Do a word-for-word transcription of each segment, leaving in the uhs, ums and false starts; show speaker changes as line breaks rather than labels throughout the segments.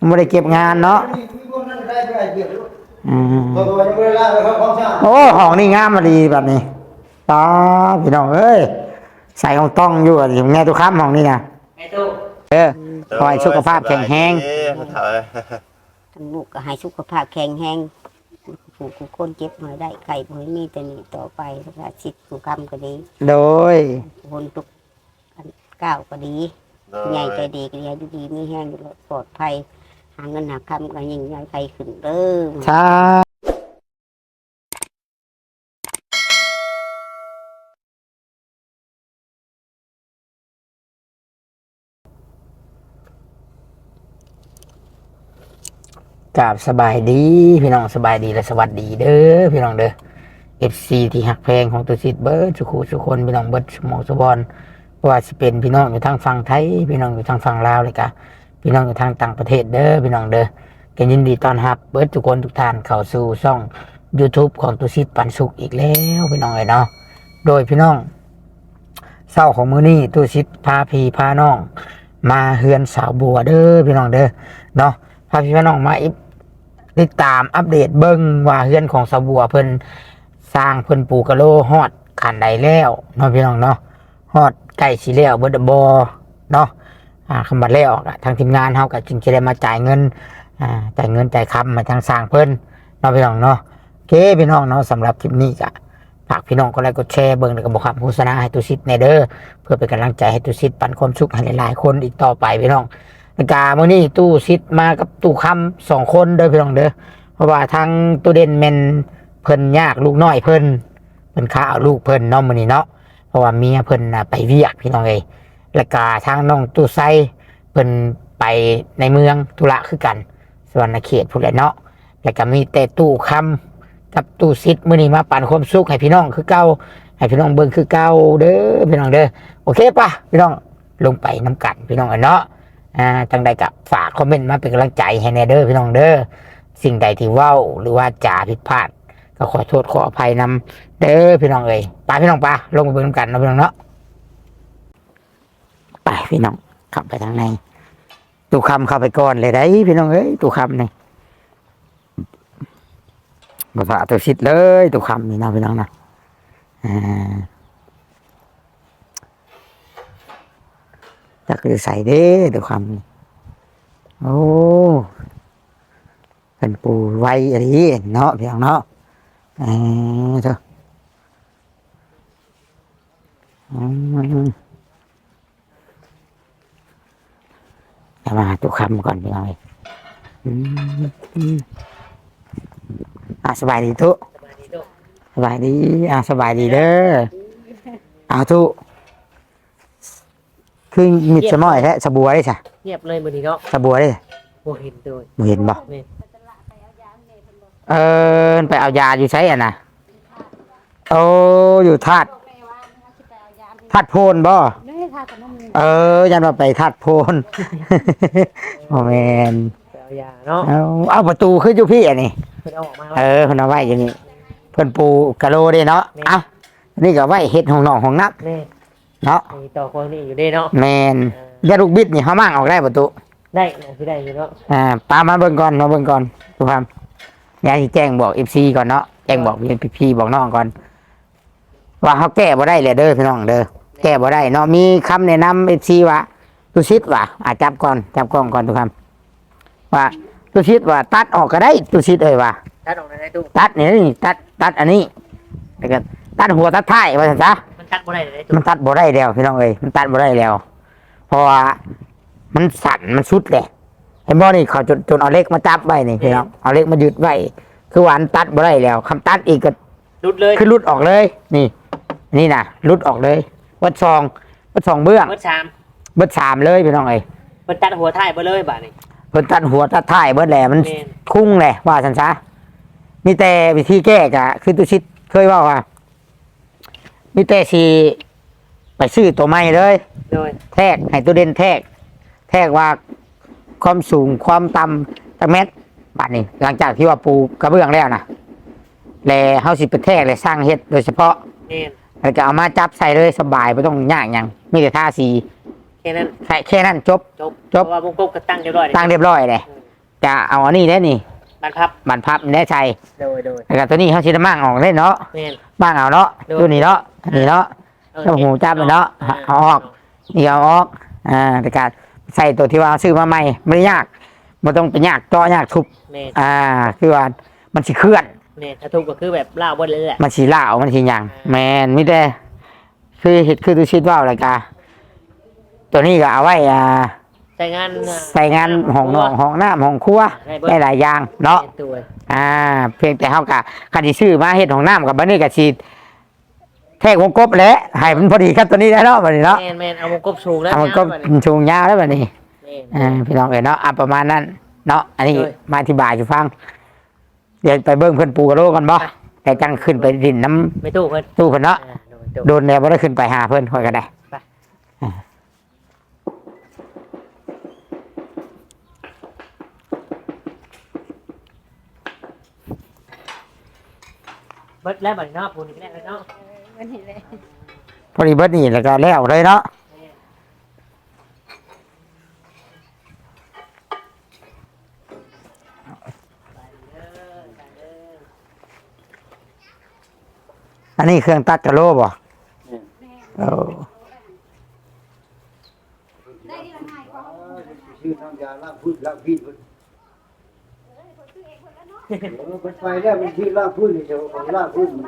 ไม่ได้เก็บงานเนาะอืมโอ้ห้องนี่งามมาดีแบบนี้ตาพี่น้องเอ้ยใส่ของต้องอยู่อ่ะอยู่แง่ตุกค้ำห้องนี่นะเออคอยสุขภาพแข็งแรง
ทั้งลูกก็ให้สุขภาพแข็งแรงผู้ผู้คนเจ็บหน่อยได้ไข่บ่ให้มีแต่นี่ต่อไปแล้วก็สิทธิ์ผู้คำก็ดี
โดย
คนทุกก้าวก็ดีใหญ่ใจดีก็ดีดูดีมีแห้งปลอดภัยหาเงินหาคำก็ยิ่งใหญ่ใจขึ้นเด้อ
ใช่กราบสบายดีพี่น้องสบายดีและสวัสดีเด้อพี่น้องเด้อเอฟซีที่หักเพลงของตัวซิดเบิร์ดสุขุสุคนพี่น้องเบิร์ดสมองสบอนว่าจะเป็นพี่น้องอยู่ทางฝั่งไทยพี่น้องอยู่ทางฝั่งลาวเลยกะพี่น้องอยู่ทางต่างประเทศเด้อพี่น้องเด้อกันยินดีต้อนรับเบิร์ดทุกคนทุกท่านเข้าสู่ช่อง YouTube ของตัวซิดปันสุขอีกแล้วพี่น้องเอ๋ยเนาะโดยพี่น้องเศร้าของมื้อนี้ตัวซิดพาพี่พาน้องมาเฮือนสาวบัวเด้อพี่น้องเด้อเนาะพาพี่พาน้องมาติดตามอัปเดตเบิ้งว่าเฮือนของสาวบัวเพิ่นสร้างเพิ่นปูกะโลฮอดขันใดแล้วเนาะพี่น้องเนาะฮอดใกล้สิแล้วเบิดบ่เนาะอ่าคำบัดแล้วทางทีมงานเฮาก็จึงจะได้มาจ่ายเงินอ่าจ่ายเงินจ่ายคำมาทางสร้างเพิ่นเนาะพี่น้องเนาะโอเคพี่น้องเนาะสำหรับคลิปนี้ก็ฝากพี่น้องกดไลค์กดแชร์เบิ้งแล้วก็บอกคำโฆษณาให้ตุสิทธิ์ในเด้อเพื่อเป็นกำลังใจให้ตุสิทธิ์ปันความสุขให้หลายๆคนอีกต่อไปพี่น้องกาเมื่อนี้ตู้ซิดมากับตู้คำสองคนเด้อพี่น้องเด้อเพราะว่าทางตู้เด่นแมนเพิ่นยากลูกน้อยเพิ่นเพิ่นข้าเอาลูกเพิ่นเนาะมื้อนี้เนาะเพราะว่าเมียเพิ่นน่ะไปเวียกพี่น้องเอ้ยแล้วก็ทางน้องตู้ไซเพิ่นไปในเมืองธุระคือกันสวรรณเขตพุ่นแหละเนาะแล้วก็มีแต่ตู้คำกับตู้ซิดมื้อนี้มาปั่นความสุขให้พี่น้องคือเก่าให้พี่น้องเบิ่งคือเก่าเด้อพี่น้องเด้อโอเคป่ะพี่น้องลงไปน้ำกันพี่น้องเนาะอ่าจังใดกับฝากคอมเมนต์มาเป็นกำลังใจให้แน่เด้อพี่น้องเด้อสิ่งใดที่เว้าหรือว่าจ่าผิดพลาดก็ขอโทษขออภัยนำเด้อพี่น้องเอ้ยไปพี่น้องปะลงไปเบิ่งกันเนาะพี่น้องเนาะไปพี่น้องขับไปทางในตู้คำเข้าไปก่อนเลยได้พี่น้องเอ้ยตู้คำนี่มาฝากตัวชิดเลยตู้คำนี่เนาะพี่น้องนะอ่าจะคือใส่เด้ตู้คำนี่โอ้เป็นปูไว้อะไรเนาะพี่น้องเนาะอ่าเถอะจะมาตุกคำก่อนพี่น้องอ่าสบายดีทุสบายดีอ่าสบายดีเด้อเอาทุคือมิดสมอยแท้สบัวได้ใช่
เงียบเลยมื้อนี้เนาะ
สบัวได้
บ่เห็นโดย
บ่เห็นบ่เออไปเอายาอยู่ใช้อ่ะนะโอ้อยู่ธาตุธาตุโพนบ่เออยันว่าไปธาตุโพนโอ้แมน
ไปเอายาเนาะ
เอาเอาประตูขึ้นอยู่พี่อ่ะนี่
เพิ่นเอาออกมา
เออเพิ่นเอาไว้อย่างนี้เพิ่นปูกะโลเด้เนาะเอ้านี่ก็ไว้เฮ็ดห้องนอนห้องนักเนาะ
มีต่อคนนี้อยู่เด้เนาะ
แม่นยาลูกบิดนี่เฮามั่งออกได้ประตู
ได้สิได้อยู่เนาะ
อ่าปามาเบิ่งก่อนมาเบิ่งก่อนทุกท่านยายสิแจ้งบอก เอฟ ซี ก่อนเนาะแจ้งบอกพี่ๆบอกน้องก่อนว่าเฮาแก้บ่ได้เลยเด้อพี่น้องเด้อแก้บ่ได้เนาะมีคำแนะนำ เอฟ ซี ว่าตุชิดว่าอ่ะจับก่อนจับกล้องก่อนทุกท่านว่าตุชิดว่าตัดออกก็ได้ตุชิดเอ้ยว่า
ตัดออกได้ตู้
ตัดนี่ตัดตัดอันนี้แล้วก็ตัดหัวตัดท้ายว่าซั่นซะ
มันตัดบ่ได้เลย
มันตัดบ่ได้แล้วพี่น้องเอ้ยมันตัดบ่ได้แล้วเพราะว่ามันสั่นมันสุดแหละเห็นบ่นี่เขาจนจนเอาเล็กมาจับไว้นี่พี่น้องเอาเล็กมายึดไว้คือว่ามันตัดบ่ได้แล้วคำตัดอีกก็
หลุดเลย
คือหลุดออกเลยนี่นี่น่ะหลุดออกเลยวัดซองวัดซองเบื้อง
วัดสาม
วัดสามเลยพี่น้องเอ้ย
เพิ่นตัดหัวท้ายบ่เลยบาดนี้
เพิ่นตัดหัวตัดท้ายเบิดแหละมันคุ้งแหละว่าซั่นซะมีแต่วิธีแก้ก็คือตุชิดเคยว่าว่ามีแต่สิไปซื้อตัวใหม่เลย
โดย
แทกให้ตัวเด่นแทกแทกว่าความสูงความต่ำจักเม็ดบาดนี้หลังจากที่ว่าปูกระเบื้องแล้วนะแล้วเฮาสิไปแทกเลยสร้างเฮ็ดโดยเฉพาะ
นี่
แล้วก็เอามาจับใส่เลยสบายไม่ต้องยากหยังมีแต่ทาสี
แค่นั้น
แค่แค่นั้นจบ
จบจบเพราะว่าวงกบก็ตั้งเรียบร้อย
ตั้งเรียบร้อยเลยจะเอาอันนี้ได้นี่
บันพับ
บันพับนี่ได้ใช่
โดยโดย
แล้วก็ตัวนี้เขาชิดมั่งออกได้เนาะ
แม่น
มั่งเอาเนาะ
โดย
ตัวนี้เนาะนี่เนาะ
เออ
แล้วหูจับเลยเนาะเอาออกนี่เอาออกอ่าแต่การใส่ตัวที่ว่าซื้อมาใหม่ไม่ได้ยากไม่ต้องไปยากต่อยากทุบ
แม่น
อ่าคือว่ามันสิเคลื่อน
แม่นถ้าถูกก็คือแบบล่าวบนเลยแหละ
มันสีเหล่ามันสีหยังแมนไม่ได้คือเห็ดคือตัวชิดว่าวอะไรกาตัวนี้ก็เอาไว้อ่า
ใส่งาน
ใส่งานห้องนองห้องน้ำห้องครัวได้หลายอย่างเนาะ
ตัว
อ่า เพียงแต่เฮากะคันที่ซื้อมาเฮ็ดห้องน้ำกับบัดนี้ก็สิแทกวงกบแหละให้มันพอดีครับตัวนี้ได้เนาะบัดนี้เนาะ
แม่นแม่นเอาวงกบสูงแล้ว
เอามันก็
ยาวบัดนี้
ชูงยาวแล้วบัดนี้
แม่น
อ่าพี่น้องเอ้ยเนาะอ่ะประมาณนั้นเนาะอันนี้
โดย
มาอธิบายให้ฟังเดี๋ยวไปเบิ่งเพิ่นปูกระโลกันบ่แต่จังขึ้นไปดินน้ำ
ไม่ตู้เพิ่น
ตู้เพิ่นเนาะ
อ่าโดยโดย
โดนแล้วบ่ได้ขึ้นไปหาเพิ่นค่อยก็ได้
ไป
อ่า
เบิดแล้วบัดนี้เนาะปูนี่ก็ได้แล้วเนาะ
วันนี้เลย
พอดีเบิดนี่แล้วก็แล้วเลยเนาะอันนี้เครื่องตัดกะโหลบ่เออ
ชื่อน้ำยาล้างพื้นล้างพีดมันมันไปแล้วมันชื่อล้างพื้นนี่เดี๋ยวของล้างพื้นมัน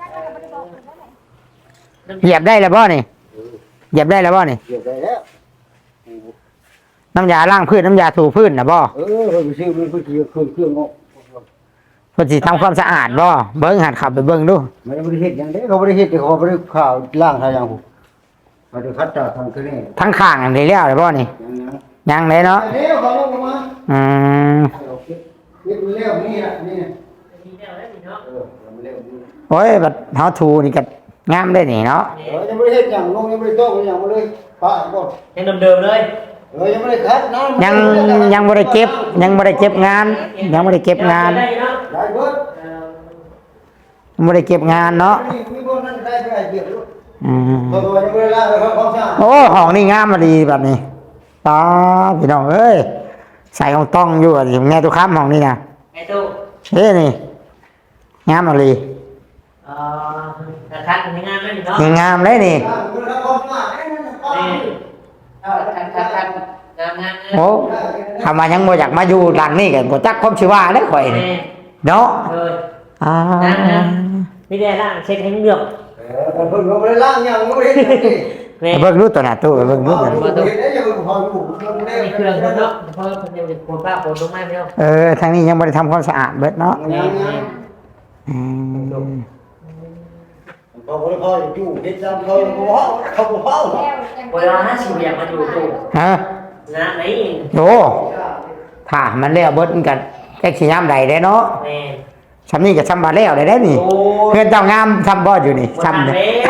เหยียบได้แล้วบ่นี่เหยียบได้แล้วบ่นี่
เกี่ยวได้แล้ว
น้ำยาล้างพื้นน้ำยาถูพื้นน่ะบ่
เออมันชื่อมันก็คือเครื่องเครื่องออก
เพิ่นสิทำความสะอาดบ่เบิ่งหัดขับไปเบิ่งดู
มันไม่ได้เห็ดอย่างเด้เขาไม่ได้เห็ดแต่เขาไม่ได้ข่าวล้างทางอย่างผมมาดูคัดจากทางคือนี่
ทั้งข้างอันนี้แล้วเลยบ่นี่
อย่างนั้น
ยังเลยเนาะ
เดี๋ยวเขาลงมา
อืม
เก็บเร็วนี่ละนี่
มีแนวแล้วนี่เนาะ
เออเร็วนี่
โอ้ยบัดเฮาถูนี่ก็งามได้นี่เนาะ
เออยังไม่ได้เห็ดอย่างลงยังไม่ได้โต้อย่างมาเลยปะก่อน
ยังเดิมๆเลย
เออยังไม่ได้คัดน้ำ
ยังยังบ่ได้เก็บ ยังบ่ได้เก็บงาน ยังบ่ได้เก็บงาน
ได้เนาะ
ได้เบิด
เอ่อ
ยังบ่ได้เก็บงานเนาะ
มีมีพวกนั้นได้ไปเกี่ยวด้วย
อืม
ตัวตัวยังไม่ได้ล้างเลยครับของช่าง
โอ้ห้องนี่งามมาดีแบบนี้ตาพี่น้องเอ้ยใส่ของต้องอยู่อะอยู่แน่ทุกคำห้องนี่นะ
ไอ้ตู้
เฮ้ยนี่งามมาดี
เอ่อกระทัดในงานแล้วนี่เนาะ
ยังงามเลยนี่
ล้างคุณครับของช่างไอ้นั่นของ
นี่
ช่าง
ทัดทัดทัดงานงานงาน
โอ้ทำมายังบ่อยากมาอยู่หลังนี่กันบ่จักความชื่อว่าเลยข่อยนี่
แม่
เนาะ
เออ
อ่า
นี่ได้ล่างเช็คให้เรื่อง
เออเพิ่งเขาไม่ได้ล้างยังไม่ได้เห็นนี่
แม่
ไปเบิ่งรู้ตัวหน้าตู้ไปเบิ่งรู้ตัว
เห็นได้ยังพออยู่
มีเครื่องเนาะเพราะคนยังเป็นคนบ้าคนลงมาไม่เอา
เออทางนี้ยังบ่ได้ทำความสะอาดเบิดเนาะ
ยังยัง
อืม
พอพอพออยู่เห็นจำเขาเขาเขาเขา
เวลาห้าสิบอยากมาอยู่ตู้
ฮะ
นะไหน
โอ้ถ้ามันแล้วเบิดมันกันแค่สิยามใดได้เนาะ
แม่
ซำนี้ก็ซำบาแล้วได้ได้นี่
โอ้
เพื่อนเจ้างามทำบ่อยู่นี่
ทำ
ซ้ำ
เล
เนี่ย
ย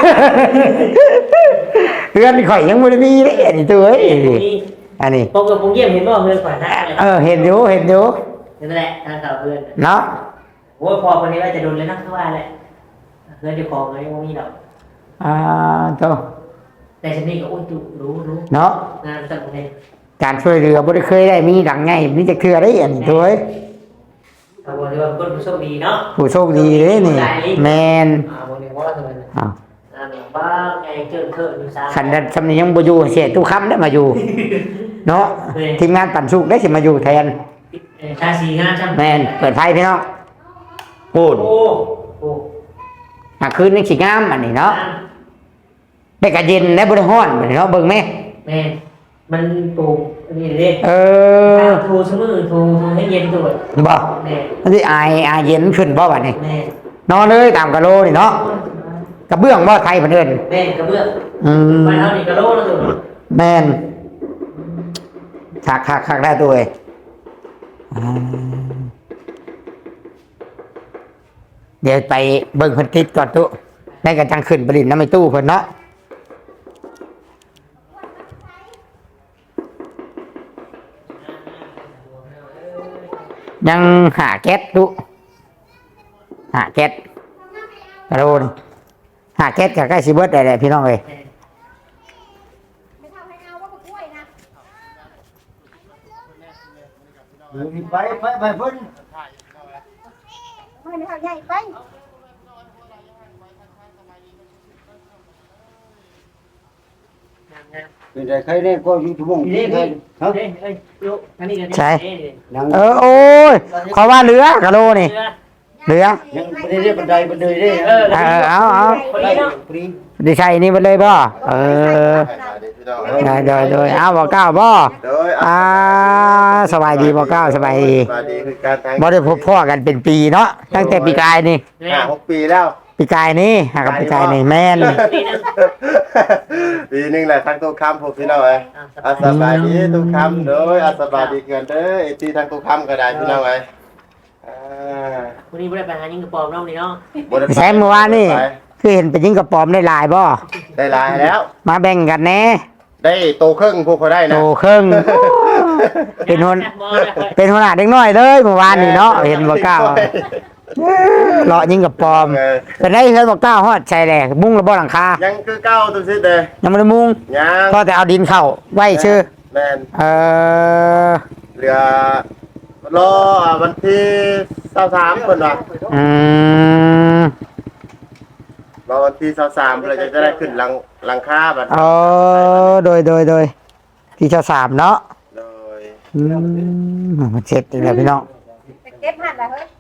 เพื่อนข่อยยังบ่ได้มีเลยอันนี้ตัวเอ้ยอันนี้
ปกกับผมเยี่ยมเห็นว่าเพื่อนฝ่ายนั้นเลย
เออเห็นอยู่เห็นอยู่
นั่นแหละทางเก่าเพื่อน
เนาะ
โอ้ยพอคนนี้ว่าจะโดนเลยนะเขาว่าแหละเพื่อนจะคอไงว่ามีดอก
อ่าโต
แต่ฉันนี่ก็อุ้ยจุรู้รู้
เนาะ
งานสักคน
การช่วยเหลือบ่ได้เคยได้มีหลังไงมีจักเทื่อได้อันนี้ตัวเอ้ย
เอาบอกเลยว่าคนผู้โชคดีเนาะ
ผู้โชคดีเด้นี่แม่น
อ่าบอกเลยว่าทำไม
อ้าว
อ่าแบบว่าไงเกินเกินอยู่ซ้ำ
คันนั้นซำนี้ยังบ่อยู่เสียตู้ค้ำได้มาอยู่ เนาะทีมงานปั่นสุกได้สิมาอยู่แทน
ชาสีงานช่าง
แม่นเปิดไฟพี่น้องพูด
โอ้โอ้
อ่ะคืนนี้สิงามอันนี้เนาะได้กะเย็นได้บ่ได้ร้อนบัดนี้เนาะเบิ่งแม่
แม่มันปลูกนี่เลย
เออ
ทูสมือทูทูให้เย็นตัว
บ่
แม่
มันสิอายอายเย็นขึ้นบ่บัดนี้
แม่
นอนเลยตามกะโลนี่เนาะกระเบื้องบ่ไทยเพิ่นเอิ้น
แม่กระเบื้อง
อืม
ไปเท่านี้กระโลแล้วตัว
แม่นคักคักคักได้ตัวเองอ่าเดี๋ยวไปเบิ่งเพิ่นติดก่อนตุได้กันจังขึ้นไปลินน้ำในตู้เพิ่นเนาะยังหาแก๊สตุหาแก๊สกระโดนหาแก๊สกับใกล้สิเบิดได้แหละพี่น้องเอ้ย
ไม่เท่าให้เอาว่าก็กล้วยนะ
ไปไปไปเพิ่น
ไม่ได้เอาใหญ่ไป
เป็นได้ใครได้ก็อยู่ชั่วโมง
นี่
ที่
นี่
ใคร
เฮ้
ฮะ
ยเฮ้ยลูกอันนี้กัน
ใช่
นัง
เออโอ้ยขอว่าเรือกะโลนี่เรือ
ยังบ่ได้เรียกบันไดบันไดเด้
เออ
เออเอาเอา
คนนี้เนาะ
ปรี
ดิใช่นี่ไปเลยบ่เออได้โดยโดยเอาบ่เก้าบ่
โดย
อ่าสบายดีบ่เก้าสบายดี
สบายดีคือการทาง
บ่ได้พบพ่อกันเป็นปีเนาะตั้งแต่ปีกายนี่
ห้าหกปีแล้ว
ปีกายนี่หากับปีกายนี่แม่น
ปีหนึงแหละทางตู้คำพวกพี่น้องเอ้ยอาสบายดีตู้คำโดยอาสบายดีเกินเด้อไอ้ที่ทางตู้คำก็ได้พี่น้องเอ้ยอ่า
คนนี้ไม่ได้ไปหายิงกระป๋อมน้องนี่เนาะ
บ่ได้
ใช้เมื่อวานนี่คือเห็นเป็นยิงกระป๋อมได้หลายบ่
ได้หลายแล้ว
มาแบ่งกันแหน่
ได้โตครึ่งพวกเขาได้
โต
นะ
ครึ่งเป็นหัวเป็นหัวหน้าเด็กน้อยเลยเมื่อวานนี่เนาะเห็นบ่เก้าเลาะยิงกระป๋อม
เออ
เป็นได้เห็นบ่เก้าฮอดใช่แหละมุ้งระบ่หลังคา
ยังคือเก้าตัวสิเด้
ยังบ่ได้มุ้ง
ยัง
ก็แต่เอาดินเข้าไว้ชื่อ
แม่น
เออ
เหลือรอวันที่ยี่สิบสามเพิ่นว่า
อืม
รอวันที่ยี่สิบสามเพิ่นจะได้ขึ้นหลังหลังคาบัด
เออโดยโดยโดยที่เจ้าสามเนาะ
โดย
อืมมันเจ็ดอีกแล้วพี่น้อง
เก็บหันละเฮ้ย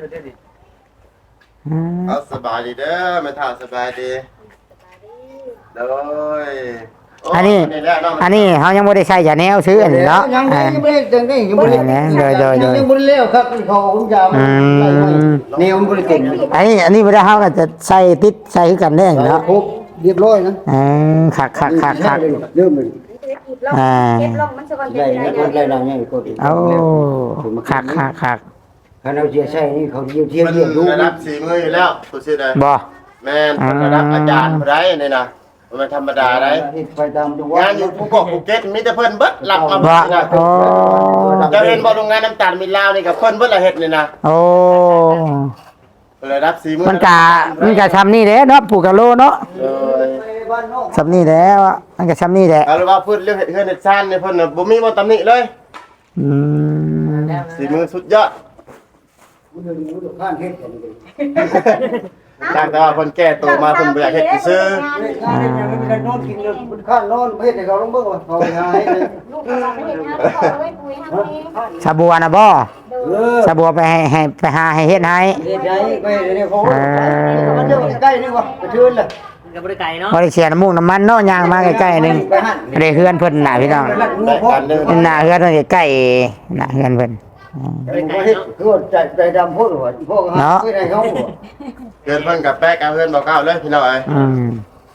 อืม
เอาสบายดีเด้อแม่ท่าสบายดีโดยโ
อันนี้
แหละเาะ
อันนี้เขายังไม่ได้ใช้ยาแนวซื้ออันนี้เนาะ
ยัง
อ่า
ยังบ่ได้จังได้ยังบ่ได้
อันนี้โดยโดยโดย
ยังบ่ได้แล้วครับเขาคุณยาม
อืม
นี่มันบ่ได้เต็ม
อันนี้อันนี้ไม่ได้เขาก็จะใส่ติดใส่คือกันได้เนาะ
ครบเรียบร้อยนะ
อืมคักคักคักคัก
เริ่มเลย
อ่า
เก็บลงมันจะก่อน
ใหญ่
เป็น
นะ
ไร
คนไรนางใหญ่ก็ดี
โอ้คักคักคัก
คันเอาเสียใช่นี่เขาเยี่ยมเที่ยว
มัน
เยี่ยมดู
ระดับสีมืออยู่แล้วตัวสิได้
บ่
แม่นมันระดับอาจารย์บ่ได้นี่นะมันธรรมดาได้
ไปตามจังห
งานอยู่ภูเก็ตภูเก็ตมีแต่เพิ่นเบิดหลับมา
บ่
นะ
โอ้
จะเห็นบ่โรงงานน้ำตาลมิลลาวนี่กับเพิ่นเบิดละเฮ็ดนี่นะ
โอ้
ระดับสีมือ
มันกะมันกะทำนี่แหละเนาะปลูกกะโลเนาะ
เออ
บ้านนอก
ทำนี่แหล้วมันกะทำนี่แหละ
เอาละว่าเพิ่นเรื่องเฮ็ดเฮือนเฮ็ดซ่านนี่เพิ่นน่ะบ่มีบ่ตำหนิเลย
อืม
สีมือสุดยอด
มันเดินมือข้างเฮ็ดกันเลย
จากแต่ว่าเพิ่นแก้ตัวมาเพิ่นบ่อยากเฮ็ดซื่อ
งานเฮ็ดยังไม่ได้นอนกินเลยมันข้างนอนเฮ็ดให้เขาลงเบิ่งว่าเขาหาให้เลย
ลูกเราไม่เห็นนะขอไว้ปุ๋ยทำนี้
สาบัวนะบ่
เออ
สาบัวไปให้ให้ไปหาให้เฮ็ดให้
เฮ็ดให้ไปเนี่ยเขามันเดินใกล้นี่ว่าไปเชิญเลย
มันกับบริไก่เนาะ
บ่ได้เสียน้ำมูกน้ำมันเนาะย่างมาใกล้ๆหนึง
ไปหั่น
ได้เฮือนเพิ่นน่ะพี่น้อง
ได้การเดิน
หน้าเฮือนเพิ่นใกล้ๆหน้าเฮือนเพิ่นอืม
คือว่าใจใจดำโพดว่าพวกหาไปไหนเขา
เกินเพิ่นกับแป๊กกับเพิ่นบ่ก้าวเลยพี่น้องเอ้ย
อืม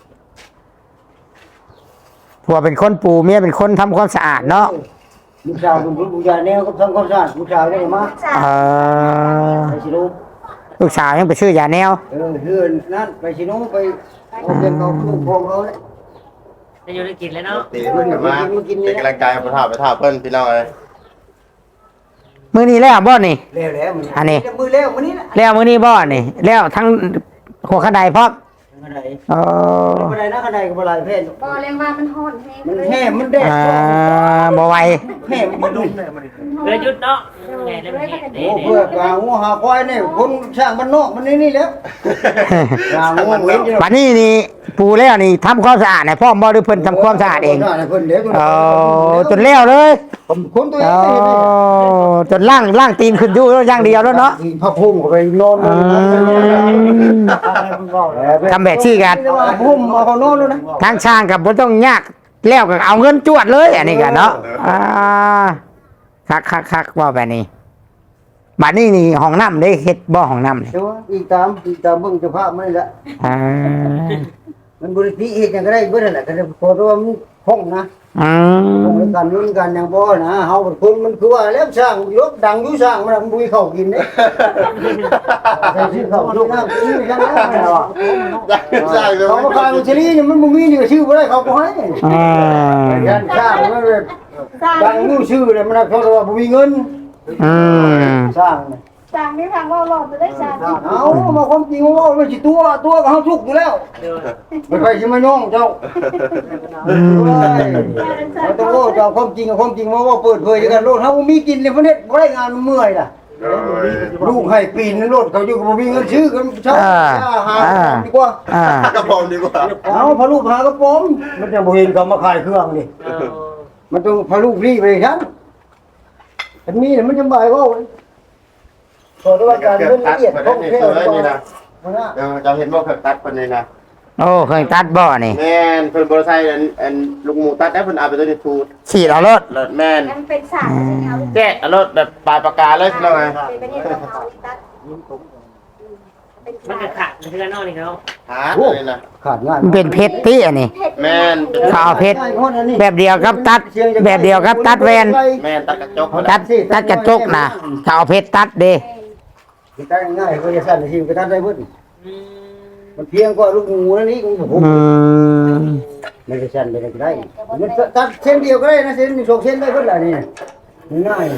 ผัวเป็นคนปูเมียเป็นคนทำความสะอาดเนาะ
ลูกสาวเป็นผู้ผู้ใหญ่แนวก็ทำความสะอาดลูกสาวได้มา
เออ
ไปชิโน
ลูกสาวยังไปซื้อยาแนว
เออเฮือนนั่นไปชิโนไปเอาเงินเขาลูกพงเขาเลย
จะอยู่ได้กินเลยเนาะ
ตีเพิ่นก็มาเป็นกำลังใจให้พ่อท่าไปท่าเพิ่นพี่น้องเอ้ย
มื้อนี้แล้วบ่นี่
แล้วแล้วมัน
อันนี้
มือแล้วมันนี่นะ
แล้วมื้อนี้บ่นี่แล้วทั้งหัวขันไดพร้อม
ขนาดไหน
เออ
ขนาดไหนนะขนาดไหนกับอะไรเพศ
บ่เรียกว่ามันห่อนแห้ง
มัน
เลย
แห่มันแดด
อ่าบ่ไหว
แห่มันดุ
เพื่อยุดเนาะไงได้ไหม
โอ้เพื่อกาหัวหาควายเนี่ยคนช่างมันนอกมันนี่นี่แล้วกาหัวเว้น
บัดนี้นี่ปูแล้วนี่ทำความสะอาดให้พร้อมบ่หรือเพิ่นทำความสะอาดเอง
เพิ่นเดี๋ยว
เออจนแล้วเลย
คนตัวเอ
เองอจนล่างล่างตีนขึ้นอยู่แล้วอย่างเดียวแล้วเนาะ
พระพุ่มไปนอน
ทำแบบชี่กัน
พุ่มมาเขานอนแล้วนะ
ทางช่างกับบ่ต้องยากแล้วก็เอาเงินจวดเลยอันนี้กันเนาะอ่าคักคักคักว่าแบบนี้บัดนี้นี่ห้องน้ำได้เฮ็ดบ่ห้องน้ำนี่
เดี๋ยวอีกตามอีกตามเบิ่งสภาพมันนี่แหละ
อ่า
มันบริพิเฮ็ดจังก็ได้เบิดนั่นแหละก็ได้พอตัวมันห้องนะ
อื
ห้อง
ม
กันนุ่นกันอย่างบ่นะเฮาเป็นคนมันคือว่าแล้วสร้างยกดังอยู่สร้างมันมันบุยเข้ากินเด้ใส่ชื่อเขาชื่อน้ำชื่อจังนั้นน่ะว่ะ
ใช่เลย
เขามาขายมันชลีนี่มันบ่มีนี่ก็ชื่อบ่ได้เขาบ่ให้
อ่า
ยันสร้างมันแบบดังอยู่ชื่อเลยมันเขาว่าบ่มีเงิน
อืม
สร้างนี่
จางนี่ทางว่าหลอดจะได้จาง
เอามาความจริงว่าไม่ใช่ตัวตัวก็เฮาทุกข์อยู่แล้ว
เดี๋ยว
ไม่ค่อยสิมาย่องเจ้าเราต้องว่าเจ้าความจริงกับความจริงมาว่าเปิดเผยกันโลดเฮาบ่มีกินเลยประเทศบ่ได้งานเมื่อยล่ะ
โดย
ลูกให้ปีนในรถเขาอยู่ก็บ่มีเงินซื้อกันเช่าหาดีกว่า
อ่าก
ระผมดีกว่า
เอาพาลูกหากระป๋อมมันจะบ่เห็นเขามาขายเครื่องนี่
เออ
มันต้องพาลูกรีไปครับอันนี้มันจะบ่ายว่าขอด้วยการ
เกือบ
เรื่อง
ตั
ละ
ด
เอียด
คน
ของ
นี้
แค่
ตัวนี้นะ
นะ
เออจะเห็นว่าเกือบตัดคนนี้นะ
โอ้เคยตัดบ่อนี่
แม่นเพิ่นบ่ได้ใช้อันอันลูกหมูตัดได้เพิ่นเอาไปตัวนี้ทูด
ฉีดเอารถ
รถแม่น
มันเป็นสารใช่ไหมเอา
แจ๊ะรถแบบปลายปากกาเลยพี่น้องไง
เป็นประเทศของเขาตัดเป็น
มัน
สา
จะ
ร
ขาดเพื่อนนอกนี่เขา
หาเลยนะ
ขาดง่าย
มันเป็นเพชรที่อันนี้
แม่น
เขาเอาเพชรแบบเดียวกับตัด แบบเดียวกับตัดแวน
แม่นตัดกระจก
ตัดตัดกระจกนะเขาเอาเพชรตัดเด้
ตัดง่ายก็จะสั้นทีก็ตัดได้เพิ่น
อืม
มันเพียงกว่าลูกหมูนั่นนี่ของผม
อืม
ไม่ได้สั้นไปได้ก็ได้มันตัดเส้นเดียวก็ได้นะเส้นสองเส้นได้เพิ่นล่ะนี่ง่าย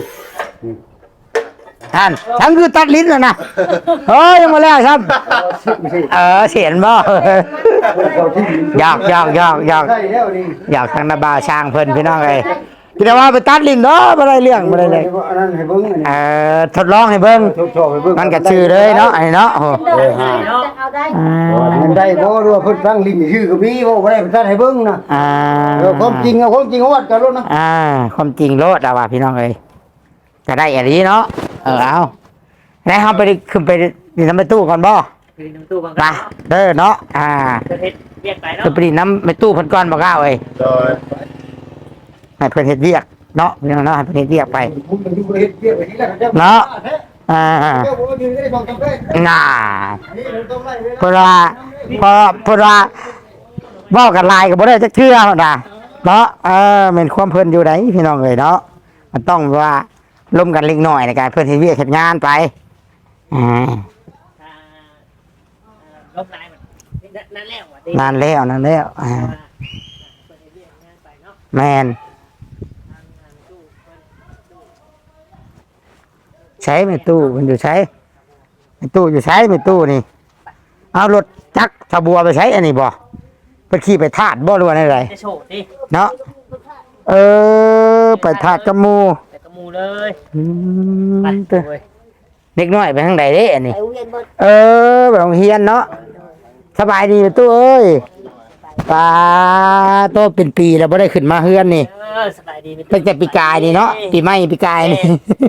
ท่านฉันคือตัดลิ้นแล้วนะเฮ้ยยังมาแล้วครับ
ไม่ใช่
เออเสียนบ่หยอกหยอกหยอกหยอก
ใช่แล้วนี่
หยอกทางนาบาวช่างเพิ่นพี่น้องเอ้ยพี่แต่ว่าไปตัดลิ้นเนาะบ่ได้เรื่องบ่ได้เลย
อันนั้นให้เบิ่งอันนี้
เออทดลองให้เบิ่ง
ชอบให้เบิ่ง
มันก็ชื่อเลยเนาะไอ้เนาะโอ้
เดินได้จะเอาได้
อ่า
มันได้บ่รู้ว่าเพิ่นตั้งลิ้นชื่อก็มีบ่ได้เพิ่นตัดให้เบิ่งนะ
อ่า
เออความจริงเอาความจริงเอาวัดกันโลดนะ
อ่าความจริงโลดอะว่าพี่น้องเอ้ยจะได้อันนี้เนาะเออเอาได้เฮาไปขึ้นไปนี่น้ำไปตู้ก่อนบ่
คือน้ำตู้บาง
ไปเด้อเนาะอ่า
ประเทศเรียกไปเนาะ
ขึ้นไปนี่น้ำไปตู้เพิ่นก่อนบ่กล้าเอ้ย
โดย
ให้เพิ่นเฮ็ดเวียกเนาะพี่น้องเนาะให้เพิ่นเฮ็ดเวียกไป
ผมมันอยู่เฮ็ดเวียกไปที่แรกเจ้า
เนาะอ่า
เจ้าบ่ยืนได้สองจำเป็น
น่า
นี่เราต้องไล่เวลา
เพราะว่าพอเพราะว่าเว้ากันหลายก็บ่ได้จักเทื่อหรอกนะเนาะเออแม่นความเพิ่นอยู่ไหนพี่น้องเอ้ยเนาะมันต้องว่าร่วมกันเล็กน้อยในการเพิ่นเฮ็ดเวียกเฮ็ดงานไปอ่า
อ่าลบลายมันนั่นแล้วอ่ะดิ
นานแล้วนานแล้วอ่า
ประเทศเรียกงานไปเนาะ
แมน
ทางงานตู้เพิ่น
ใช้ไม่ตู้มันอยู่ใช้ไม่ตู้อยู่ใช้ไม่ตู้นี่เอารถจักรทบัวไปใช้อันนี้บ่ไปขี่ไปทาดบ่หรือว่าอะไร
จะโฉดดิ
เนาะเออไปทาดกับหมู
แต่กระมูเลย
อื
ไป
มเด้อ
เว้ย
เด็กน้อยไปทางใดเด้อันนี้
ไปโรงเรียนเบิด
เออไปโรงเรียนเนาะสบายดีอยู่ตู้เอ้ยปลาโตเป็นปีแล้วบ่ได้ขึ้นมาเฮือนนี่
เออสบายดีไหม
ตั้งแต่ปีกายนี่เนาะปีใหม่ปีกายนี่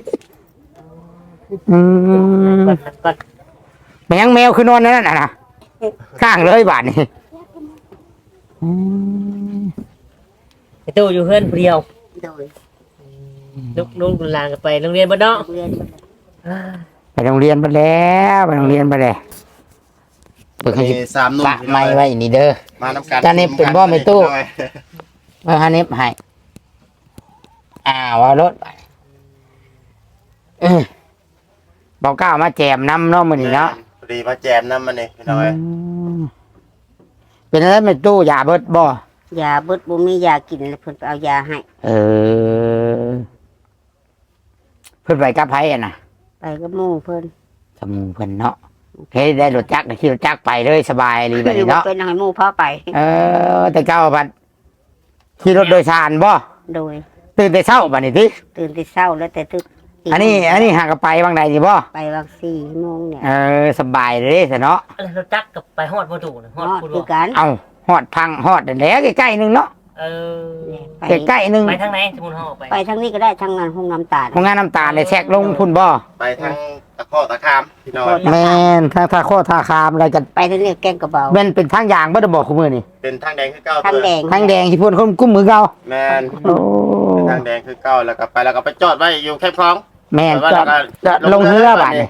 อืม
ก่อนก่อน
มันยังแมวคือนอนนั่นน่ะนะข้างเลยบาทนี่อืม
ไอ้ตู้อยู่เพื่อนผู้เดียว
โดย
ลูกลูกหลานก็ไปโรงเรียนบ้านเนาะ
โรงเรียนเบิด
อ่า
ไปโรงเรียนไปแล้วไปโรงเรียนไปแล้วเปิดให้
มีสามหนุ่ม
ปะไม่ไว้นี่เด้อ
มานำกัน
จานนี้เป็นบ่ไม่ตู้ เมื่อฮานิบให้อ่าว่ารถเออเบาเก้ามาแจมน้ำเนาะมื้อนี้เนาะ
พอดีมาแจมน้ำมันนี่พี่น้อย
อืมเป็นอะไรไม่ตู้ยาเบิดบ่
ยาเบิดบ่มียากินเลยเพิ่นไปเอายาให้
เออ เพิ่นไปกับไผอ่ะนะ
ไปกับหมู่เพิ่น
สมูเพิ่นเนาะเฮ้ยได้รถจักรได้ขี่รถจักรไปเลยสบายเลยแบบนี้เนาะ
เป็นให้หมู่พาไป
เออ แต่เก้าบัดขี่รถโดยสารบ่
โดย
ตื่นแต่เช้าบัดนี้ติ
ตื่นแต่เช้าแล้วแต่ตึก
อันนี้ อันนี้หากไปบางใดนี่บ่
ไปวังสี่โมงเนี่ย
เออสบายเลยซะเนาะ
อะไรเราจักกับไปฮอดประตูนะฮอด
ฮอด
พูด
คือ
ว่า
กัน
เอาฮอดพังฮอดนั่นแหล้วใกล้ๆหนึงเนาะ
เออ
ไป
ใกล้ๆหนึง
ไปทางไหนสมมุติเขาออกไป
ไปทางนี้ก็ได้ทางงานห้องน้ำตาล
โรงงานน้ำตาลได้แทรกลงพุ่นบ่
ไปทางตะข้อตะคามพี่น้อย
แม่นทางท่าโคท่าคามอะไรกัน
ไปทางนี้แกงกระเบา
แม่นเป็นทางยางบ่ได้บอกคุมื้อนี่
เป็นทางแดงคือเก้า
ทางแดง
ทางแดงที่พุ่นคนกุ้มมือเก่า
แมน
โอ้
เป็นทางแดงคือเก้าแล้วก็ไปแล้วก็ไปจอดไว้อยู่แคบคลอง
แม่น
ว่า
จอด
แล้วก็
จอดลงเรือบัดนี่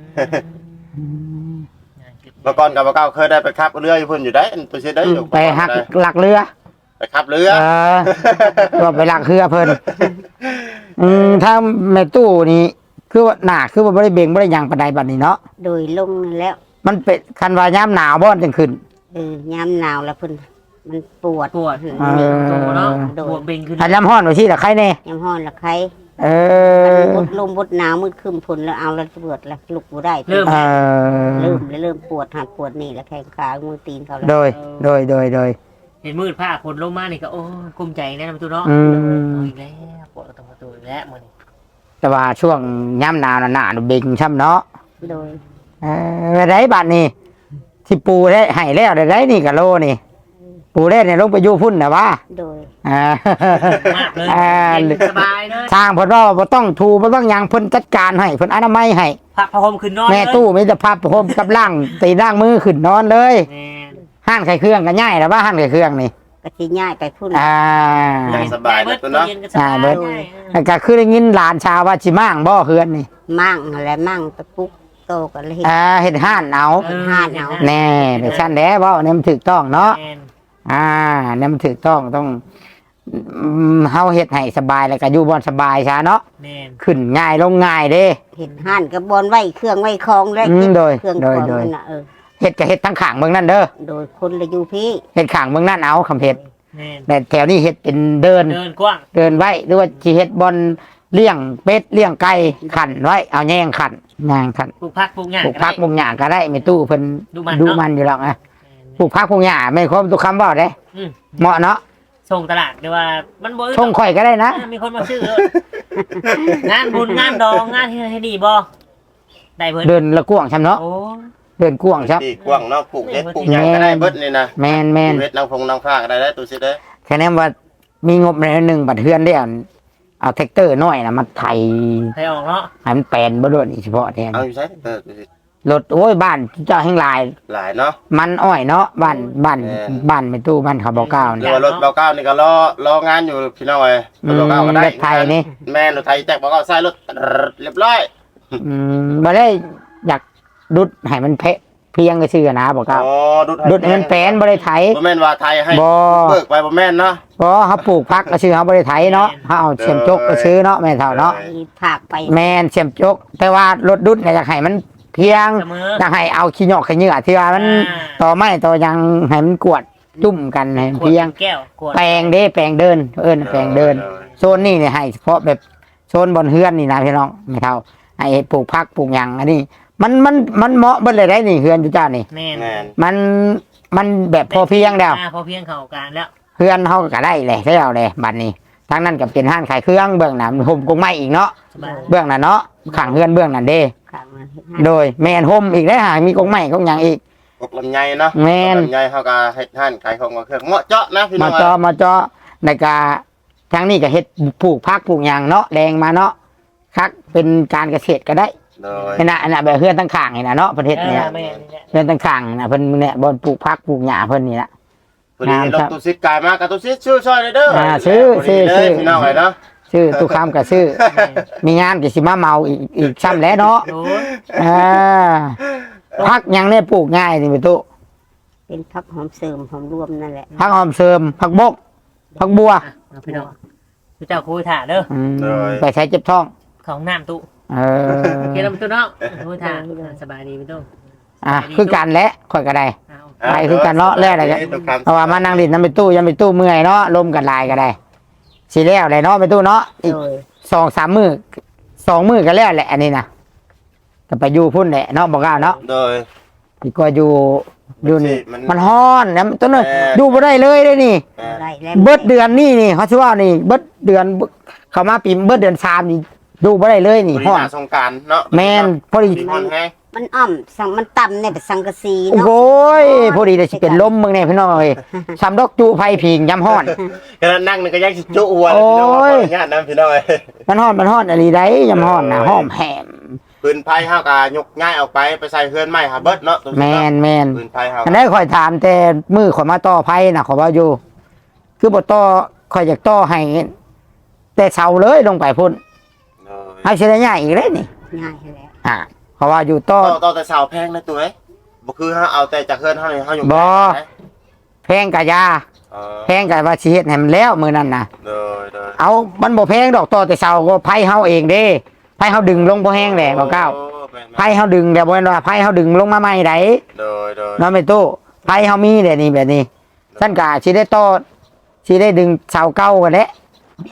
เมื่อก่อนกับเก้าเคยได้ไปขับเรืออยู่พุ่นอยู่ได้ตัวเชื่อได้อยู่
ไปหักหลักเรือ
ไปขับเรือ
เออก็ไปหลักเรือเพิ่นอืมถ้าแม่ตู้นี่คือว่าหนาคือว่าบ่ได้เบ่งบ่ได้หยังปานใดบัดนี้เนาะ
โดยลงนั่นแล้ว
มันเป็นคันว่ายามหนาวบ่จังขึ้น
เออยามหนาวแล้วเพิ่นมันปวด
ปวด
เอ
เออ
โตเนาะปวดเบ่งขึ้น
อันยามร้อนว่าซี่ล่ะใครแน่
ยามฮ้อนละใคร
เเออ
บดลมบดหนาวมืดครึมฝนแล้วเอาแล้วปวดแล้วลุกบ่ได้
เริ่ม
เออ
เริ่มแล้วเริ่มปวดหัดปวดนี่แล้วแข้งขามือตีนเขาแล้ว
โดยโดยโดยโดย
เห็นมืดผ้าฝนลงมานี่ก็โอ้ยกุ้มใจแน่นะประตูเนาะ
อืม
เอาอีกแล้วปวดตรงประตูอีกแล้วมื้อนี้
แต่ว่าช่วงย่ำหนาวน่ะหนาดูเบ่งช่ำเนาะ
โดย
เออได้บัดนี้ที่ปูได้ให้แล้วได้ได้นี่กะโลนี่ ปูได้เนี่ยลงไปอยู่พุ่นนะว่า
โดย
อ่าม
ากเลย
อ่า
เย็นสบายเลย
ทางเพิ่นว่าบ่ต้องถูบ่ต้องหยังเพิ่นจัดการให้เพิ่นอนามัยให้
พักผ้าห่มขึ้นนอน
แม่
เลย
ตู้มีแต่พับผมกับล่างตีล่างมือขึ้นนอนเลย
แม่น
ห้านไข่เครื่องก็ง่ายแล้วว่าห้านไข่เครื่องนี่
ก็สิง่ายไปพุ่น
อ่า
สบายเลยตัวเนาะ
ย็ก็สบาย
อ่าเบิด
ง่าย
แล้วก็คือได้ยินหลานชาวว่าสิมั่งบ่เฮือนนี่
มั่งอะไรมั่งตะปุกโตกันเลย
อ่าเฮ็ดห้านเอา
เออ
ห้าหนาว
แน่เดี๋ยวฉันแด้เว้าเนี่ยมันถูกต้องเนาะ
แม่น
อ่าเนี่ยมันถูกต้องต้องอืมเฮาเฮ็ดให้สบายแล้วก็อยู่บ่สบายซะเนาะ
แม่น
ขึ้นง่ายลงง่ายเด้
เห็นห่านกับบอลไว้เครื่องไว้คลองแล้ว
อืมโดย
เครื่อง
โด
ค
ย
ลอง
โดย
นั่นน่ะเออ
เฮ็ดก็เฮ็ดทั้งข้างเมืองนั่นเด้อ
โดยคนละอยู่พี่
เฮ็ดข้างเมืองนั่นเอาคำเฮ็ด
แม่น
แต่แถวนี้เฮ็ดเป็นเดิน
เดินกว้าง
เดินไว้หรือว่าสิเฮ็ดบอลเลี้ยงเป็ดเลี้ยงไก่ขันไว้เอาแยงขันยางขัน
ปลูกผักปลูกหญ้า
ปลูกพักปลูกหญ้าก็ได้ไม่ตู้เพิ่น
ดูมัน
ดู
เนาะ
มันอยู่หรอกนะ
แม่น
ปลูกพักปลูกหญ้าไม่ครบทุกคำบ่ได้
อืม
เหมาะเนาะ
ส่งตลาดเดี๋ยวว่ามันบ่อึด
ชงข่อยก็ได้นะ
มีคนมาซื้อเลยงานบุญงานดองงานให้ดีบ่ได้เพิ่น
เดินละกวางช้ำเนาะ
โอ้
เดินกวางช้
ตีกว้างเนาะปลูกเฮ็ดปลูกหยังก็ได้เบิดนี่นะ
ำแมนแมน
เฮ็ดนางพงนางฟ้าก็ได้ได้ตัวสิเด้อ
แค่นั้นว่ามีงบในหนึ่งบัตรเทือนได้เอาเอาแท็กเตอร์น้อยนะมาไถ
ให้ออกเนาะ
ให้มันแปลนบ่ด้วยนี่เฉพาะแทน
เอาอยู่ใช้เออตัวสิ
รถโอ้ยบ้านเจ้าแห่งหลาย
หลายเนาะ
มันอ้อยเนาะบ้านบ้าน
แม่น
บ้านไม่ตู้บ้านเขาบอกเก้า
หรื
เนี่
อย ว่ารถเบาเก้านี่ก็รอรองานอยู่พี่น้องเอ้ย
อื
รถ
ม
เบาเก้าก็ได้
รถไทยนี่
แม่นรถไทยแจกเบาเก้าใส่รถเรียบร้อย
อืมบ่ได้อยากดุดให้มันเพะเพียงก็ชื่อนะบอกเก้า
อ๋อดุด
ดุดให้มันแปลนบ่ได้ไถ
บ่แม่นว่าไทยให้
บ่
เบิกไปบ่แม่นเนาะ
เพราะเขาปลูกพักก็ชื่อเขาบ่ได้ไถเนาะเขาเอาเสียมจกก็ชื่อเนาะแม่เฒ่าเนาะ
มีผักไป
แม่นเสียมจก แต่ว่ารถดุดเนี่ยอยากให้มันเพียง
เสมอ
อยากให้เอาขี้หยอกขี้เหงื่อที่ว่ามัน
อ่า
ต่อไม้ต่อยังให้มันกวดจุ่มกันให้มัน
ขวด
เพียง
แก้วขวด
แปลงเด้แปลงเดินเอิ้นแปลงเดิน โซนนี่เนี่ยให้เฉพาะแบบโซนบนเฮือนนี่นะพี่น้องไม่เท่าให้ปลูกพักปลูกหยังอันนี้ มันมันมันเหมาะเบิดเลยได้นี่เฮือนจุจ้านี่
แม่น
แม่น
มันมันแบบพอเพียงแล้ว
อ่าพอเพียงเข้ากันแล้ว
เฮือนเฮาก็ได้เลยใช่เอาเลยบัดนี้ทั้งนั้นก็เป็นห้านขายเครื่องเบื้องหน้าห่มกงไม้อีกเนาะ
สบาย
เบื้องหน้าเนาะข้างเฮือนเบื้องหน้าเด้
ขังมาเฮ็ดให้
โดยแม่นห่มอีกได้หามีกงไม้กงหยังอีก
ปลูกลำไยเนาะ
แม่น
ลำไยเฮาก็เฮ็ดห้านขายของกับเครื่องเหมาะเจาะนะพี่น้
มา
อง
จอมาจอในกาทางนี้ก็เฮ็ดปลูกพักปลูกหยังเนาะแดงมาเนาะคักเป็นการเกษตรก็ได้
โดย
เห็นน่ะอันน่ะแบบเฮือนตั้งข้างนี่นะเนาะประเทศ
เอ
เนี่
อย แม่นนี่แหละ
เฮือนตั้งข้างน่ะเพิ่นเนี่ยบ่อนปลูกพักปลูกหญ้าเพิ่นนี่ละ
พอดี
งาม
ร
ค
ถ
รับ
ตู้ซิดกายมากับตู้ซิดชื่อซอยเลยเด้อ
อ่าชื่อ
พดีเลย
ชื่อ
พี่น้องเอ้ยเนาะ
ชื่อตุกคำกับชื่อ มีงานก็สิมาเมาอีกอีกซ้ำแล้วเนาะ
โอ้ย
อ่าพักหยังเนี่ยปลูกง่ายนี่พี่ตุ
เป็นผักหอมเสริมหอมรวมนั่นแหละ
พักหอมเสริมพักบกพักบัว
อ่ะเอาพี่น้องพี่เจ้าคุยถ่าเด้อ
อืมไปใช้เจ็บท้อง
ของน้ำตู้
เออ
เกี่ยวกับตู้เนาะคุยถ่าสบายดีพี่ตู้
อ่ะคือกันแหละค่อยก็ได้
เอา
ไปคือกันเนาะแล้วอะไรกัน
ตุกคำ
เพราะว่ามานั่งดินน้ำไปตู้ยังไปตู้เมื่อยเนาะลมกันลายก็ได้สิแล้วเลยเนาะไปตู้เนาะอีก
โดย
สองสามมือสองมือก็แล้วแหละอันนี้นะก็ไปอยู่พุ่นแหละเนาะบอกกล่าวเนาะ
โดย
ดีกว่าอยู่อยู่นี่
มัน
มันฮ้อนนะต้นเลย
แม่
อยู่บ่ได้เลยเลยนี่
อ่า
ได้แล้ว
เบิดเดือนนี่นี่เขาชื่อว่านี่เบิดเดือนเข้ามาปีเบิดเดือนสามนี่ดูบ่ได้เลยนี่
พอดี
ฮ้อน
หน้าสงกรารเนาะ
แมนพอดี
ฮ้อนแฮง
มันอ่อมสังมันต่ำเนี่ยเป็นสังกะสี
โอ้
เนาะ
โหยพอดีเลยสิเป็นลมมึงเนี่ยพี่น้องเอ้ยสำดอกจูไฟผิงยำฮ้อน
กระนั่งนึงก็ยังสิจุหัว
โอ้ย
พี่น้องว่าขออนุญาตนะพี่น้องเอ้ย
มันฮ้อนมันฮ้อนอะไรได้ยำฮ้อนนะหอมแหม
ปืนไผ่เฮาก็ยกง่ายออกไปไปใส่เฮือนใหม่หาเบิดเนาะตรง
แม
นี้
น
เนาะ
แมน
ปืนไผ่เฮา
อันนี้ข่อยถามแต่มือข่อยมาต่อไพ่นะข่อยว่าอยู่ คือบ่ต่อข่อยอยากต่อให้แต่เสาเลยลงไปพุ่น
โดย
เอาเสียง่ายอีกเลยนี่
ง่ายแล้ว
อ่าเพราะว่าอยู่ต่อ
ต่อต่อแต่เสาแพงนะตัวเอ้ยบ่คือเฮาเอาแต่จากเฮือนเฮานี่เฮาอยู่
บ่
นะ
แพงกะยา
เออ
แพงกะว่าสิเฮ็ดให้มันแล้วมื้อนั้นน่ะ
โดยโดย
เอามันบ่แพงดอกต่อแต่เสาก็ไผเฮาเองเด้ไผเฮาดึงลงบ่แห้งแหละบ่เก้า
โอ้แม่นๆ
ไผเฮาดึงแต่บ่แม่นว่าไผเฮาดึงลงมาใหม่ได
โดยโดย
เนาะแม่ตู้ไผเฮามีแต่นี่แบบนี้ซั่นกะสิได้ต่อสิได้ดึงเสาเก่ากันแหละ
แม่นแม่น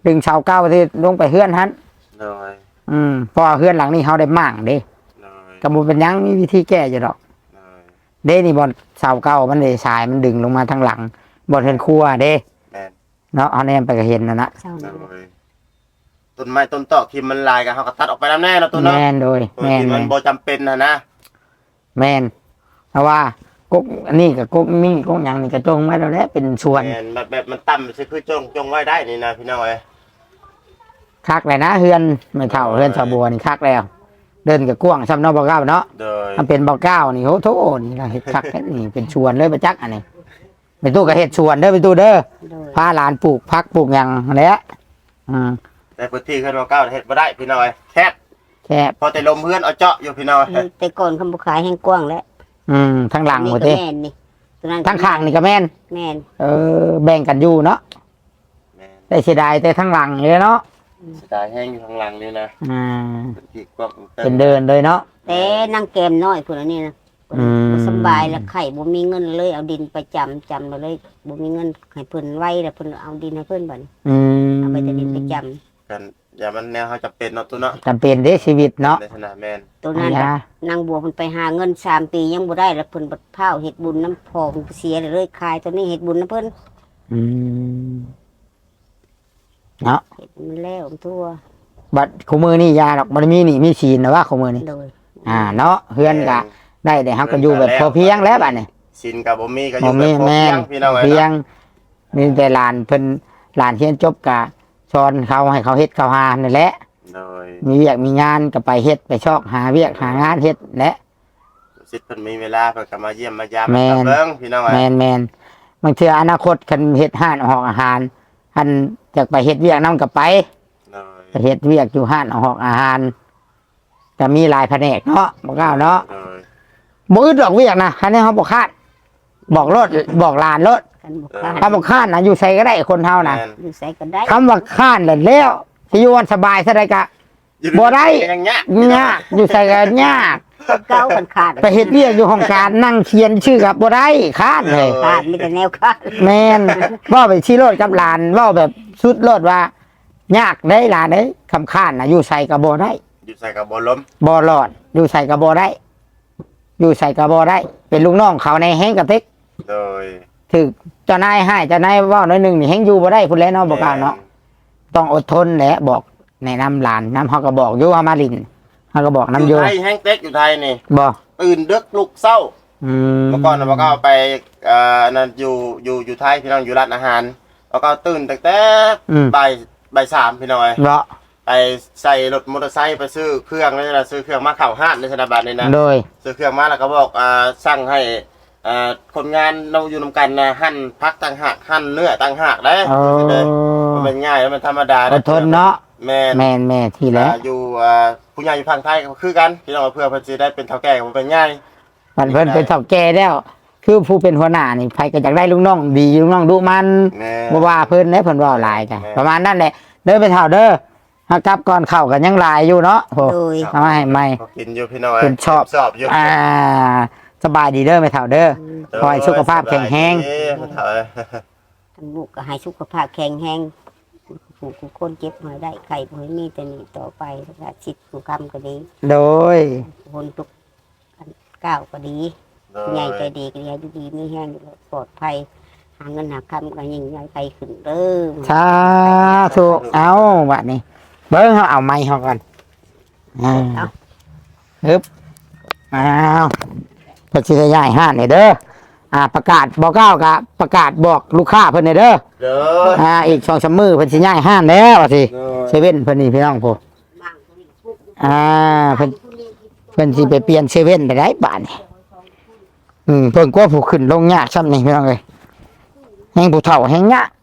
ดึงเสาเก้าที่ลงไปเฮือนหัน
โดย
อืมเพราะว่าเฮือนหลังนี้เขาได้มั่างเด้
โดย
กระบุเป็นหยังมีวิธีแก้อยู่ดอก
โดย
เด้นี่บอลเสาเก้ามันเลยสายมันดึงลงมาทางหลังบอลเห็นครัวเด้
แม่น
เนาะเอาแนมไปก็เห็นนะนะ
เศร้า
โด
เลย
ยต้นไม้ต้นตอกที่มันลายกันเขาก็ตัดออกไปแล้วแน่เนาะตัวเนาะ
แมนโดย
ตัว
แมน
ที่
แม
มัน
น
บ่จำเป็นนะนะ
แมนเพราะว่ากกอันนี้กับกกนี่กกหยังนี่กระจงไว้แล้วแหละเป็นชวน
แม่นแบบแบบมันต่ำสิคือจงจงไว้ได้นี่นะพี่น้องเอ้ย
คักเลยนะเฮือนไม่เท่าเฮือนชาวบัวนี่คักแล้ว เดินกับกว้างซ้ำเนอกบ่อเก้าเนาะ
โดย
มันเป็นบ่อเก้านี่โหโถนี่นะเฮ็ดคักแท้นี่เป็นชวนเลยประจักษ์อันนี้เป็นตู้กับเฮ็ดชวนเด้อเป็นตู้เด้อ
โดย
พาหลานปลูกพักปลูกหยังนั่นแหละอืม
แต่พื้นที่ขึ้นมาเก้าเฮ็ดบ่ได้พี่น้องเอ้ยแคบ
แค่
พอแต่ลมเพื่อนเอาเจาะอยู่พี่น้องเอ้ย
แต่ก่อนคำบุขายแห้งกว้างแล้ว
อืมทางหลังหมด
นี่
เด้
ก็แม่นนี่ตัวนั้น
ทางข้างนี่ก็แม่น
แม่น
เออแบ่งกันอยู่เนาะ
แม่น
แต่เสียดายแต่ทางหลังเลยเนาะ
เสียดายแห้งอยู่ข้างหลังนี่นะ
อ่า
พื้นที่กว้าง
เป็นเดินเลยเนาะ
แต่นั่งแกมน้อยพุ่นอันนี้นะ
อืม
บ่สำบายแล้วไข่บ่มีเงินเลยเอาดินไปจำจำมาเลยบ่มีเงินให้เพิ่นไว้แล้วเพิ่นเอาดินให้เพิ่นบัดนี้
อืม
เอาไปแต่ดินไปจำ
กันอย่ามันแนวเขาจะเป็นเนาะตัวเนาะ
จำเป็นเด้ชีวิตเนาะ
ในขณะแม่น
ตัวนั้น
อ่า
นางบัวเพิ่นไปหาเงินสามปียังบ่ได้แล้วเพิ่นบัดพร้าวเฮ็ดบุญน้ำพอเพิ่นเสียเลยคายตัวนี้เฮ็ดบุญน้ำเพิ่น
อืมเนาะ
เฮ็ดมันแล้วทั่ว
บัดขมือนี่ยาดอกมันมีนี่มีฉีนนะว่าขมือนี่
โดย
อ่าเนาะเฮือนกะได้แต่ฮักก็อยู่แบบพอเพียงแล้วบัดนี้
สินกับบ่มีก็อ
บ่
ยู่แบ
มี
บพอ
แม่
เพีย
น
งพี่น้องเอ้ย
เพียง
เนาะ
มีแต่หลานเพิ่นหลานเฮียนจบกะสอนเขาให้เขาเฮ็ดเขาหานั่นแหละ
โดย
มีเวียกมีงานก็ไปเฮ็ดไปชอกหาเวียกหางานเฮ็ดและ
สิทธิ์เพิ่นมีเวลาเพิ่นก็มาเยี่ยมมายาม
แม่น
มาเบิ่งพี่น้องเอ้
แม
ย
นแมนบางเทื่ออนาคตคันเฮ็ดห้านหอกอาหารอันจากไปเฮ็ดเวียกนํกับไป
โดย
ไปเฮ็ดเวียกอยู่ห้านหอกอาหารก็มีหลายแผนกเนาะบ่กล้าเนาะ
โดย
บ่อึดดอกเวียกนะคันนี้เฮาบ่คาดบอกรถบอกหลานรถ
กันบ่ค้าน
ถ้าบ่คาดนะอยู่ไสก็ได้คนเฮานะ
แม่น
อยู่ไสก็ได้
คำว่าคาดแล้วแล้วสิอยู่วันสบายซะได้กะ บ่ได้
อย่างเงี้ย
ยากอยู่ไสก็ยาก
เก่ากันขาด
ไปเฮ็ดเวียกอยู่ห้องการนั่งเขียนชื่อกับบ่ได้คาดเลย
ขาดมีแต่แนวขาด
แมนเว่าไปชี้รถกับหลานเว่าแบบสุดรถว่า ยากได้หลานได้คำข้านนะอยู่ใส่กระโบได้
อยู่ใส่กับบ่ล้ม
บอหลอด อยู่ใส่กระโบได้ อยู่ใส่กระโบได้ เป็นลูกน้องเขาในแห้งกระติก
โดย
ถึกเจ้านายให้เจ้านายเว่าน้อยหนึ่งนี่แห้งอยู่บ่ได้พุ่นแล้วเนาะบอกกล่าวเนาะต้องอดทนแหละบอกในะนำหลานน้ำเขาก็บอกอยู่ว่ามาลินเขาก็บอก
น้ำ
น้ำ
อ
อยู่ ยู่
ไทยแห้งเต็กอยู่ไทยนี่
บอก
ตื่นดึกลุกเศร้า
อืม
เมื่อก่อนน่ะบ่ก็เอาไปเอ่อนั่นอยู่อยู่อยู่ไทยพี่น้องอยู่ร้านอาหารแล้วก็ตื่นตั้งแต่
อืม
บ่ายบ่ายสามพี่น้องเอ้ย
เนาะ
ไปใส่รถมอเตอร์ไซค์ไปซื้อเครื่องนี่นะซื้อเครื่องมาเข้าห้างในธนบัตรนี่นะ
โดย
ซื้อเครื่องมาแล้วก็บอกอ่าสั่งให้อ่าคนงานเราอยู่นำกันนะหั่นพักต่างหากหั่นเนื้อต่างหากได้
โอ้
มันเป็นง่ายแล้วมันธรรมดา
อดทนเนาะ
แม่น
แมนแม่ที่แล้ว
อ่าอยู่อ่าผู้ใหญ่อยู่ฝั่งไทยก็คือกันพี่น้องเพื่อเพิ่นสิได้เป็นเฒ่าแก่ก็บ่เป็นง่าย
มันเพิ่นเป็นเฒ่าแก่แล้ว คือผู้เป็นหัวหน้านี่ใครก็อยากได้ลูกน้องดีลูกน้องดุมัน
แม่
บ่ว่าเพิ่นเด้เพิ่นเว้าหลายกัน
แม่
ประมาณนั้นแหละเด้อไปเฒ่าเด้อหากลับก่อนเข้ากันยังหลายอยู่เนาะโห
โดย
เอามาให้ใหม่
ก็กินอยู่พี่น้อง
เพิ่นชอบ
ชอบอยู่
อ่า สบายดีเด้อไปเฒ่าเด้อ ขอให้สุขภาพแข็งแรง
เอ้ยเฒ่าเอ้ย
ทั้งลูกก็ให้สุขภาพแข็งแรงผู้ผู้คนเจ็บหายได้ไข่บ่ให้มีแต่นี่ต่อไปแล้วก็จิตผู้กรรมก็ดี
โดย
คนทุกอันก้าวก็ดี
โด
ใหญ่
ย
ใจดีก็ดีอยู่ดีมีแห้งอยู่ปลอดภัยหาเงินหาคำก็ยิ่งใหญ่ไปขึ้นเด้อ
สาธุเอาบัดนี้ เบิ่งเฮาเอาไม้เฮาก่อนอ่าฮึบอ้าวเพิ่นสิได้ย้ายห้านนี่เด้ออ่า ประกาศบอกกล่าวกะประกาศบอกลูกค้าเพิ่นนี่เด้อ
เด้อ
อ่าอีกสองสามมือเพิ่นสิย้ายห้านแล้วว่าสิ
เด้อ
เซเว่นเพิ่นนี่พี่น้องผู้อ่าเพิ่นเพิ่นสิไปเปลี่ยนเซเว่นไปได้บาทนี่อืมเพิ่นกลัวผู้ขึ้นลงยากซ้ำนี่พี่น้องเอ้ยแฮงผู้เฒ่าแฮงยาก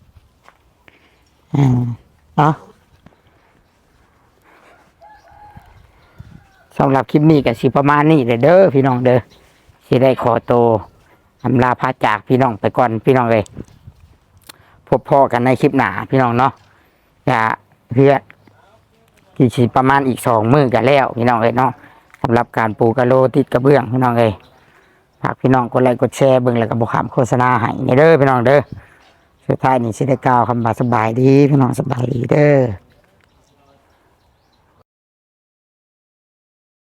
อ่าเนาะสำหรับคลิปนี้ก็สิประมาณนี้เด้อเด้อพี่น้องเด้อสิได้ขอโตวอำลาพาจากพี่น้องไปก่อนพี่น้องเอ้ยพบพ่อกันในคลิปหน้าพี่น้องเนาะอย่าเพื่อที่สิประมาณอีกสองมื้อกันแล้วพี่น้องเอ้ยเนาะสำหรับการปูกะโลติดกระเบื้องพี่น้องเอ้ยฝากพี่น้องกดไลค์กดแชร์เบิ่งแล้วก็บ่ขามโฆษณาให้นี่เด้อพี่น้องเด้อสสุดท้ายนี่สิได้กล่าวคำว่าสบายดีพี่น้องสบายดีเด้อ